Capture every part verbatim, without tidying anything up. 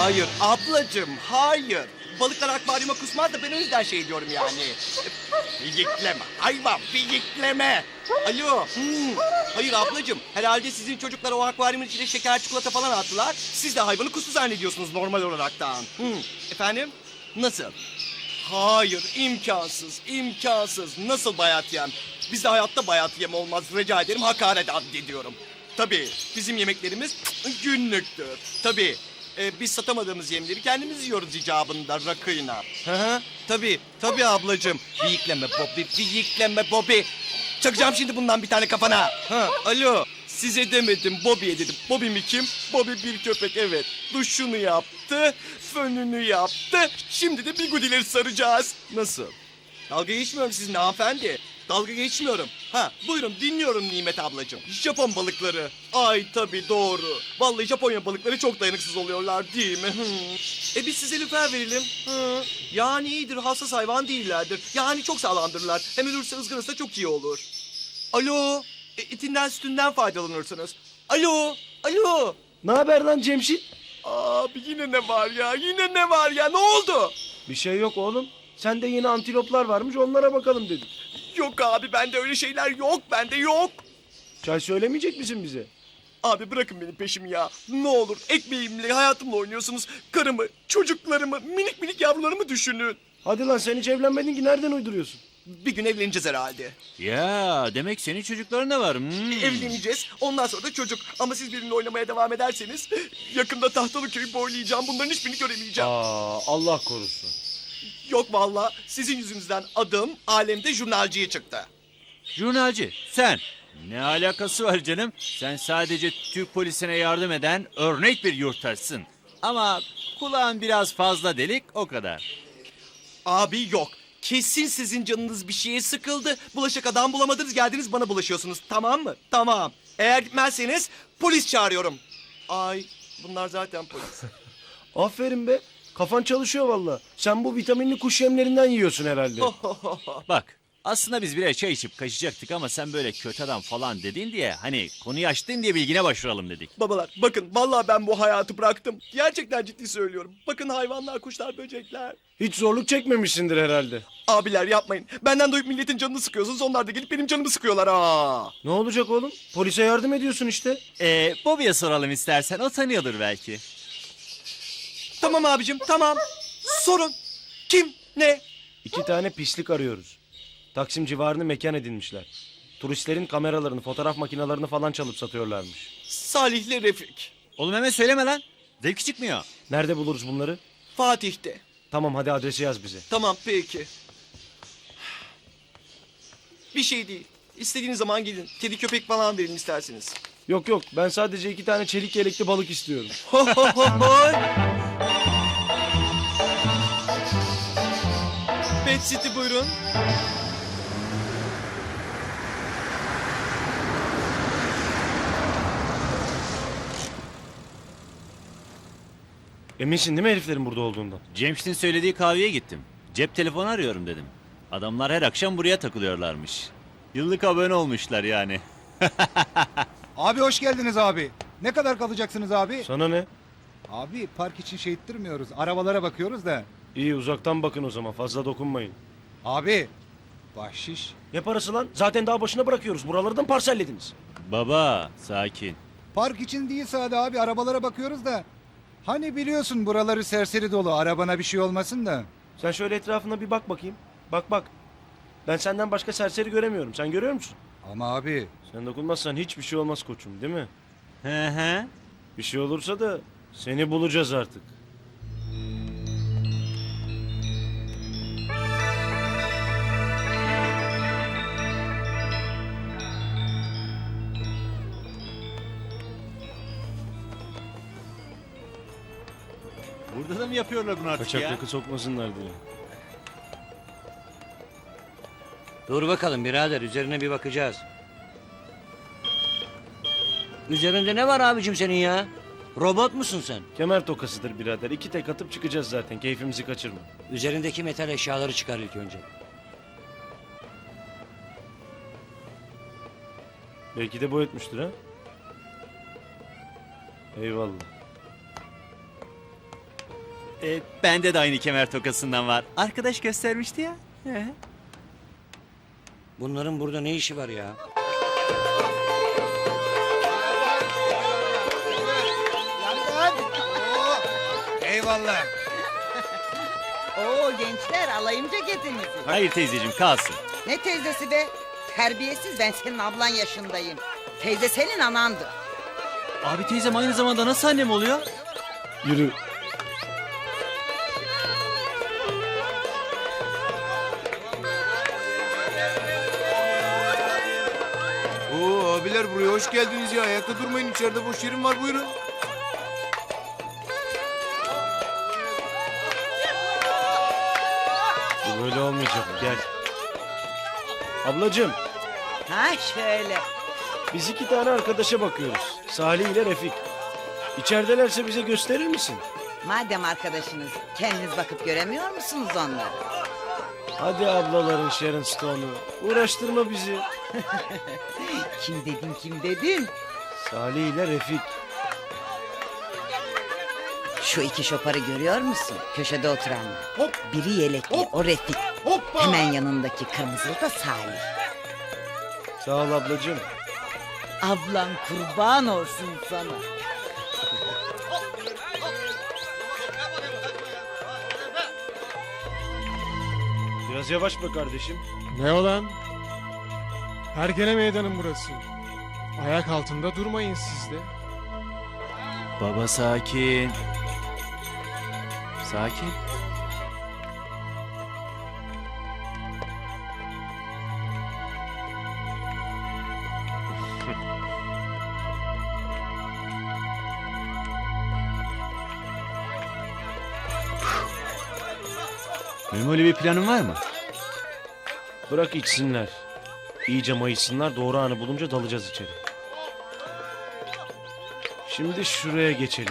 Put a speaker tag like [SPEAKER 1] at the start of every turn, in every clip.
[SPEAKER 1] Hayır ablacığım, hayır. Balıklar akvaryuma kusmaz da ben o yüzden şey diyorum yani. Fiyikleme, hayvan fiyikleme. Alo. Hmm. Hayır ablacığım, herhalde sizin çocuklar o akvaryumun içine şeker çikolata falan attılar. Siz de hayvanı kustu zannediyorsunuz normal olaraktan. Hmm. Efendim? Nasıl? Hayır, imkansız, imkansız. Nasıl bayat yem? Bizde hayatta bayat yem olmaz. Rica ederim, hakaret addediyorum. Tabii, bizim yemeklerimiz günlüktür. Tabii, e, biz satamadığımız yemleri kendimiz yiyoruz icabında rakıyla. Hı hı, tabii, tabii ablacığım. Fiyikleme Bobby, fiyikleme Bobby. Çakacağım şimdi bundan bir tane kafana. Ha, alo. Size demedim, Bobby'ye dedim. Bobby mi kim? Bobby bir köpek, evet. Duşunu yaptı, fönünü yaptı. Şimdi de bigudileri saracağız. Nasıl? Dalga geçmiyorum sizinle hanımefendi. Dalga geçmiyorum. Ha, buyurun dinliyorum Nimet ablacığım. Japon balıkları. Ay tabii doğru. Vallahi Japonya balıkları çok dayanıksız oluyorlar değil mi? Hı. E biz size lüfer verelim. Hı. Yani iyidir, hassas hayvan değillerdir. Yani çok sağlamdırlar. Hem ölürse ızgarası da çok iyi olur. Alo. E, etinden sütünden faydalanırsınız. Alo. Alo.
[SPEAKER 2] Ne haber lan Cemşit?
[SPEAKER 1] Abi yine ne var ya? Yine ne var ya? Ne oldu?
[SPEAKER 2] Bir şey yok oğlum. Sende yeni antiloplar varmış, onlara bakalım dedik.
[SPEAKER 1] Yok abi, bende öyle şeyler yok. Bende yok.
[SPEAKER 2] Çay söylemeyecek misin bize?
[SPEAKER 1] Abi bırakın benim peşimi ya. Ne olur ekmeğimle, hayatımla oynuyorsunuz. Karımı, çocuklarımı, minik minik yavrularımı düşünün.
[SPEAKER 2] Hadi lan, sen hiç evlenmedin ki, nereden uyduruyorsun?
[SPEAKER 1] Bir gün evleneceğiz herhalde.
[SPEAKER 3] Ya demek senin çocukların da var. Hmm.
[SPEAKER 1] Evleneceğiz. Ondan sonra da çocuk. Ama siz benimle oynamaya devam ederseniz yakında Tahtalı köyü boylayacağım. Bunların hiçbirini göremeyeceğim.
[SPEAKER 2] Aa, Allah korusun.
[SPEAKER 1] Yok vallahi sizin yüzünüzden adım alemde jurnalciye çıktı.
[SPEAKER 3] Jurnalci sen. Ne alakası var canım? Sen sadece Türk polisine yardım eden örnek bir yurttaşsın. Ama kulağın biraz fazla delik, o kadar.
[SPEAKER 1] Abi yok. Kesin sizin canınız bir şeye sıkıldı. Bulaşık adam bulamadınız, geldiniz bana bulaşıyorsunuz. Tamam mı? Tamam. Eğer gitmezseniz polis çağırıyorum. Ay bunlar zaten polis.
[SPEAKER 2] Aferin be. Kafan çalışıyor valla. Sen bu vitaminli kuş yemlerinden yiyorsun herhalde.
[SPEAKER 3] Bak, aslında biz birer çay içip kaçacaktık ama sen böyle kötü adam falan dedin diye, hani konuyu açtın diye bilgine başvuralım dedik.
[SPEAKER 1] Babalar bakın vallahi ben bu hayatı bıraktım. Gerçekten ciddi söylüyorum. Bakın hayvanlar, kuşlar, böcekler.
[SPEAKER 2] Hiç zorluk çekmemişsindir herhalde.
[SPEAKER 1] Abiler yapmayın. Benden duyup milletin canını sıkıyorsunuz. Onlar da gelip benim canımı sıkıyorlar ha.
[SPEAKER 2] Ne olacak oğlum? Polise yardım ediyorsun işte.
[SPEAKER 3] Ee, Bobby'ye soralım istersen, o tanıyordur belki.
[SPEAKER 1] Tamam abicim tamam. Sorun. Kim? Ne?
[SPEAKER 2] İki tane pislik arıyoruz. Taksim civarını mekan edinmişler. Turistlerin kameralarını, fotoğraf makinelerini falan çalıp satıyorlarmış.
[SPEAKER 1] Salih'le Refik.
[SPEAKER 3] Oğlum hemen söyleme lan. Zevki çıkmıyor.
[SPEAKER 2] Nerede buluruz bunları?
[SPEAKER 1] Fatih'te.
[SPEAKER 2] Tamam, hadi adresi yaz bize.
[SPEAKER 1] Tamam peki. Bir şey değil. İstediğiniz zaman gidin. Kedi köpek falan verin isterseniz.
[SPEAKER 2] Yok yok, ben sadece iki tane çelik yelekli balık istiyorum.
[SPEAKER 1] Ho ho ho ho. Pet City buyurun.
[SPEAKER 2] Eminsin değil mi heriflerin burada olduğundan?
[SPEAKER 3] Cemşit'in söylediği kahveye gittim. Cep telefonu arıyorum dedim. Adamlar her akşam buraya takılıyorlarmış. Yıllık abone olmuşlar yani.
[SPEAKER 4] Abi hoş geldiniz abi. Ne kadar kalacaksınız abi?
[SPEAKER 2] Sana ne?
[SPEAKER 4] Abi park için şey ettirmiyoruz. Arabalara bakıyoruz da.
[SPEAKER 2] İyi, uzaktan bakın o zaman, fazla dokunmayın.
[SPEAKER 4] Abi bahşiş.
[SPEAKER 2] Ne parası lan? Zaten daha başına bırakıyoruz. Buraları da mı parsellediniz?
[SPEAKER 3] Baba sakin.
[SPEAKER 4] Park için değil sadece abi, arabalara bakıyoruz da. Hani biliyorsun buraları serseri dolu, arabana bir şey olmasın da.
[SPEAKER 2] Sen şöyle etrafına bir bak bakayım. Bak bak. Ben senden başka serseri göremiyorum. Sen görüyor musun?
[SPEAKER 4] Ama abi
[SPEAKER 2] Sen dokunmazsan hiçbir şey olmaz koçum, değil mi?
[SPEAKER 3] Hı hı.
[SPEAKER 2] Bir şey olursa da seni bulacağız artık.
[SPEAKER 3] Burada da mı yapıyorlar bunu artık
[SPEAKER 2] Kaçak
[SPEAKER 3] ya?
[SPEAKER 2] rakı sokmasınlar diye.
[SPEAKER 5] Dur bakalım birader, üzerine bir bakacağız. Üzerinde ne var abicim senin ya? Robot musun sen?
[SPEAKER 2] Kemer tokasıdır birader. İki tek atıp çıkacağız zaten. Keyfimizi kaçırma.
[SPEAKER 5] Üzerindeki metal eşyaları çıkar ilk önce.
[SPEAKER 2] Belki de boyutmuştur ha. Eyvallah.
[SPEAKER 3] E, bende de aynı kemer tokasından var. Arkadaş göstermişti ya. He.
[SPEAKER 5] Bunların burada ne işi var ya?
[SPEAKER 4] Eyvallah.
[SPEAKER 6] Oo gençler alayım ceketinizi.
[SPEAKER 3] Hayır teyzeciğim kalsın.
[SPEAKER 6] Ne teyzesi be? Terbiyesiz, ben senin ablan yaşındayım. Teyze senin anandı.
[SPEAKER 3] Abi teyzem aynı zamanda nasıl annem oluyor?
[SPEAKER 2] Yürü.
[SPEAKER 7] Oo abiler buraya hoş geldiniz ya. Ayakta durmayın, içeride boş yerim var, buyurun.
[SPEAKER 2] Bu böyle olmayacak. Gel. Ablacığım,
[SPEAKER 6] Ha şöyle.
[SPEAKER 2] biz iki tane arkadaşa bakıyoruz. Salih ile Refik. İçeridelerse bize gösterir misin?
[SPEAKER 6] Madem arkadaşınız, kendiniz bakıp göremiyor musunuz onları?
[SPEAKER 2] Hadi ablaların Sharon Stone'u. Uğraştırma bizi.
[SPEAKER 6] Kim dedin kim dedin?
[SPEAKER 2] Salih ile Refik.
[SPEAKER 6] Şu iki şoparı görüyor musun? Köşede oturanlar.
[SPEAKER 7] Hop.
[SPEAKER 6] Biri yelekli,
[SPEAKER 7] Hop.
[SPEAKER 6] o Refik.
[SPEAKER 7] Hoppa!
[SPEAKER 6] Hemen yanındaki kırmızılı da Salih.
[SPEAKER 2] Sağ ol ablacığım.
[SPEAKER 6] Ablan kurban olsun sana.
[SPEAKER 2] Biraz yavaş be kardeşim.
[SPEAKER 8] Ne olan? Hergele meydanın burası. Ayak altında durmayın siz de.
[SPEAKER 3] Baba sakin. Sakin. Memoli bir planın var mı?
[SPEAKER 2] Bırak içsinler. İyice mayışsınlar, doğru anı bulunca dalacağız içeri. Şimdi şuraya geçelim.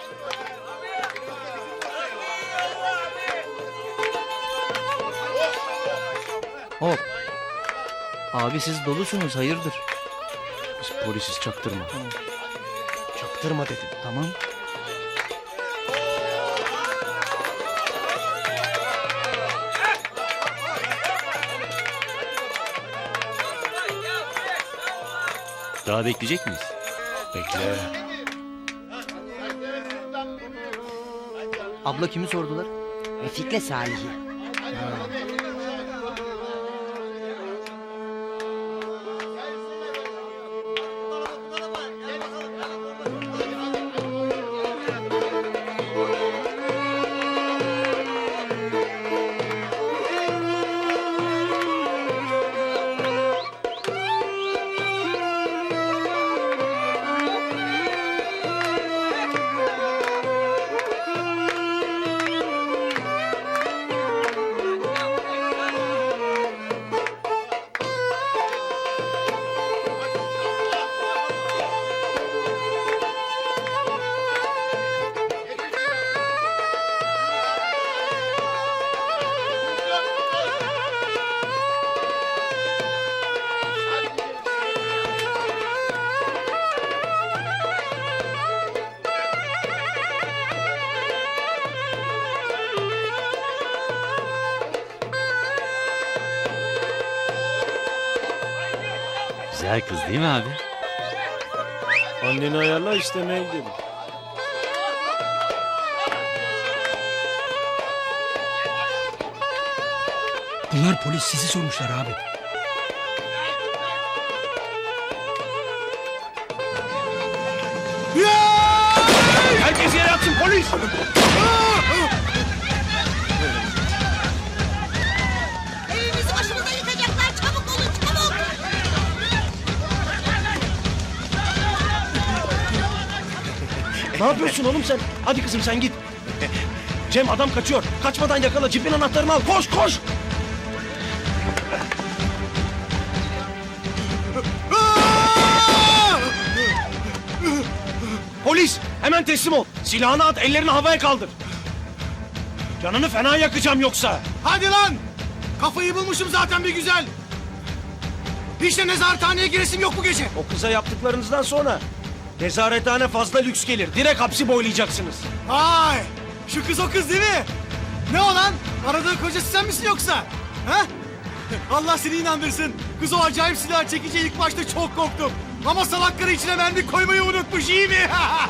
[SPEAKER 9] Hop. Abi siz dolusunuz hayırdır?
[SPEAKER 2] Biz polisiz, çaktırma. Çaktırma dedim.
[SPEAKER 9] Tamam.
[SPEAKER 3] Daha bekleyecek miyiz?
[SPEAKER 2] Bekle.
[SPEAKER 9] Abla kimi sordular?
[SPEAKER 6] Refik'le Salih'i.
[SPEAKER 3] Güzel kız değil mi abi?
[SPEAKER 2] Anneni ayarla, istemeye gidelim.
[SPEAKER 9] Bunlar polis sizi sormuşlar abi.
[SPEAKER 2] Herkes yere atsın, polis!
[SPEAKER 6] Evimizi başımıza yıkacaklar, çabuk olun çabuk.
[SPEAKER 2] Ne yapıyorsun oğlum sen? Hadi kızım sen git. Cem adam kaçıyor. Kaçmadan yakala, cipin anahtarını al. Koş koş! Polis! Hemen teslim ol. Silahını at, ellerini havaya kaldır. Canını fena yakacağım yoksa.
[SPEAKER 7] Hadi lan! Kafayı bulmuşum zaten bir güzel. Hiç de nezarethaneye giresim yok bu gece.
[SPEAKER 2] O kıza yaptıklarınızdan sonra nezarethane fazla lüks gelir. Direkt hapsi boylayacaksınız.
[SPEAKER 7] Vay! Şu kız o kız değil mi? Ne o lan? Aradığı kocası sen misin yoksa? Ha? Allah seni inandırsın. Kız o acayip silah çekince ilk başta çok korktum. Ama salak karı içine mermi koymayı unutmuş, iyi mi?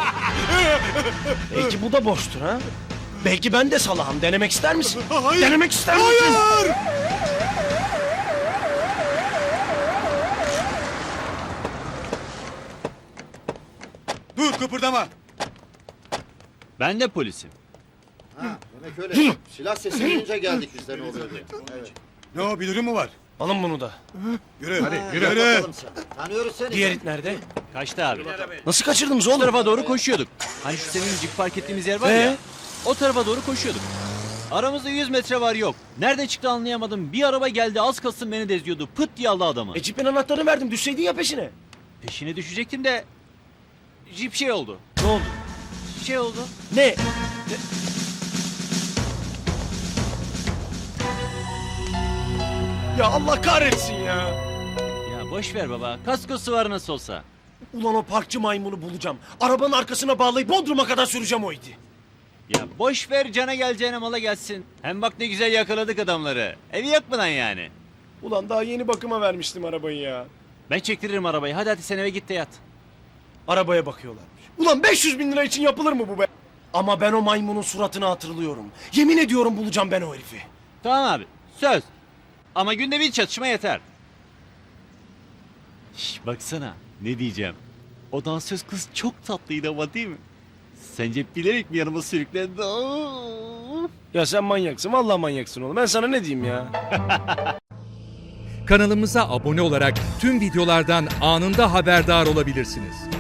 [SPEAKER 2] Belki bu da boştur ha? Belki ben de salağım. Denemek ister misin?
[SPEAKER 7] Hayır.
[SPEAKER 2] Denemek ister misin?
[SPEAKER 7] Hayır! Dur, kıpırdama.
[SPEAKER 3] Ben de polisim.
[SPEAKER 10] Demek öyle. Silah sesi duyunca geldik biz de ne oluyor diye. Evet.
[SPEAKER 7] Ne o, bir durum mu var?
[SPEAKER 2] Alın bunu da.
[SPEAKER 7] Yürü, hadi
[SPEAKER 10] Yürü. Bakalım sen. Tanıyoruz seni.
[SPEAKER 2] Diğer it nerede?
[SPEAKER 3] Kaçtı abi.
[SPEAKER 2] Nasıl kaçırdınız
[SPEAKER 3] O
[SPEAKER 2] oğlum?
[SPEAKER 3] tarafa doğru koşuyorduk. Hani şu senin jip park ettiğimiz yer var
[SPEAKER 2] Ee?
[SPEAKER 3] ya. O tarafa doğru koşuyorduk. Aramızda yüz metre var yok. Nereden çıktı anlayamadım. Bir araba geldi az kalsın beni de eziyordu. Pıt diye aldı adamı.
[SPEAKER 2] E cipin anahtarını verdim. Düşseydin ya peşine.
[SPEAKER 3] Peşine düşecektim de jip şey oldu.
[SPEAKER 2] Ne oldu?
[SPEAKER 3] Şey oldu.
[SPEAKER 2] Ne? Ya Allah kahretsin ya.
[SPEAKER 3] Ya boş ver baba. Kaskosu var nasıl olsa.
[SPEAKER 2] Ulan o parkçı maymunu bulacağım. Arabanın arkasına bağlayıp Bodrum'a kadar süreceğim o iti.
[SPEAKER 3] Ya boş ver cana geleceğine mala gelsin. Hem bak ne güzel yakaladık adamları. Evi yakmadan yani.
[SPEAKER 2] Ulan daha yeni bakıma vermiştim arabayı ya.
[SPEAKER 3] Ben çektiririm arabayı. Hadi hadi sen eve git de yat.
[SPEAKER 2] Arabaya bakıyorlarmış. Ulan beş yüz bin lira için yapılır mı bu be? Ama ben o maymunun suratını hatırlıyorum. Yemin ediyorum bulacağım ben o herifi.
[SPEAKER 3] Tamam abi. Söz. Ama günde bir çatışma yeter. Şş, baksana. Ne diyeceğim. O dansöz kız çok tatlıydı ama değil mi? Sence bilerek mi yanıma sürüklendi? Aa!
[SPEAKER 2] Ya sen manyaksın. Vallahi manyaksın oğlum. Ben sana ne diyeyim ya?
[SPEAKER 11] Kanalımıza abone olarak tüm videolardan anında haberdar olabilirsiniz.